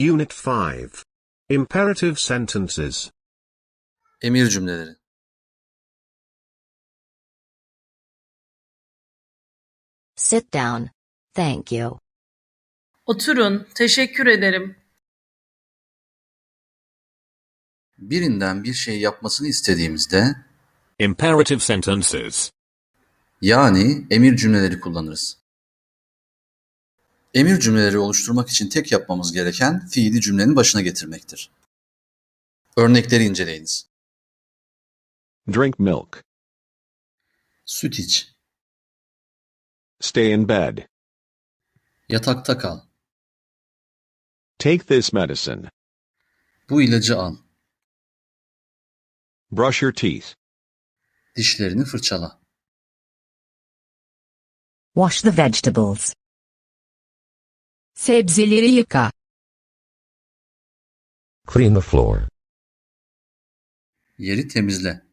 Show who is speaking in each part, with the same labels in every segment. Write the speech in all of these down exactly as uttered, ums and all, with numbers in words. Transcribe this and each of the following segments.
Speaker 1: Unit five. Imperative sentences.
Speaker 2: Emir cümleleri.
Speaker 3: Sit down. Thank you.
Speaker 4: Oturun, teşekkür ederim.
Speaker 2: Birinden bir şey yapmasını istediğimizde
Speaker 5: Imperative sentences.
Speaker 2: yani emir cümleleri kullanırız. Emir cümleleri oluşturmak için tek yapmamız gereken fiili cümlenin başına getirmektir. Örnekleri inceleyiniz.
Speaker 6: Drink milk.
Speaker 2: Süt iç.
Speaker 6: Stay in bed.
Speaker 2: Yatakta kal.
Speaker 6: Take this medicine.
Speaker 2: Bu ilacı al.
Speaker 6: Brush your teeth.
Speaker 2: Dişlerini fırçala.
Speaker 3: Wash the vegetables.
Speaker 7: Sebzeleri yıka.
Speaker 8: Clean the floor.
Speaker 2: Yeri temizle.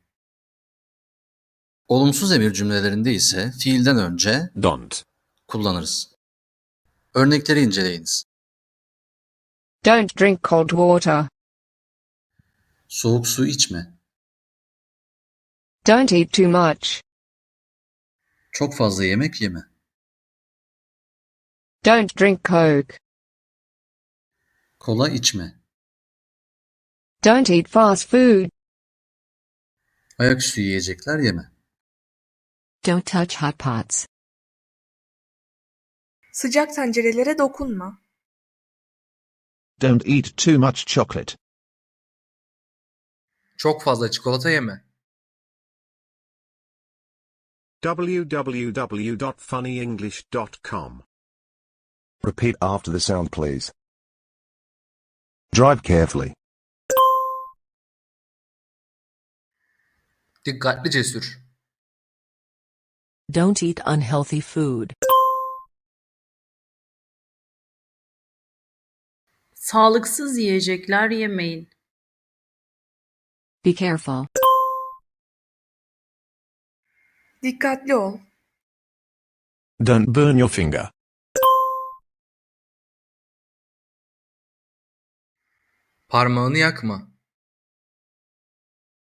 Speaker 2: Olumsuz emir cümlelerinde ise fiilden önce
Speaker 5: Don't.
Speaker 2: kullanırız. Örnekleri inceleyiniz.
Speaker 7: Don't drink cold water.
Speaker 2: Soğuk su içme.
Speaker 7: Don't eat too much.
Speaker 2: Çok fazla yemek yeme.
Speaker 7: Don't drink Coke.
Speaker 2: Kola içme.
Speaker 7: Don't eat fast food.
Speaker 2: Ayaküstü yiyecekler yeme.
Speaker 3: Don't touch hot pots.
Speaker 9: Sıcak tencerelere dokunma.
Speaker 8: Don't eat too much chocolate.
Speaker 10: Çok fazla çikolata yeme.
Speaker 1: w w w dot funny english dot com.
Speaker 8: Repeat after the sound, please. Drive carefully.
Speaker 10: Dikkatlice sür.
Speaker 3: Don't eat unhealthy food.
Speaker 4: Sağlıksız yiyecekler yemeyin.
Speaker 3: Be careful.
Speaker 9: Dikkatli ol.
Speaker 8: Don't burn your finger.
Speaker 10: Parmağını yakma.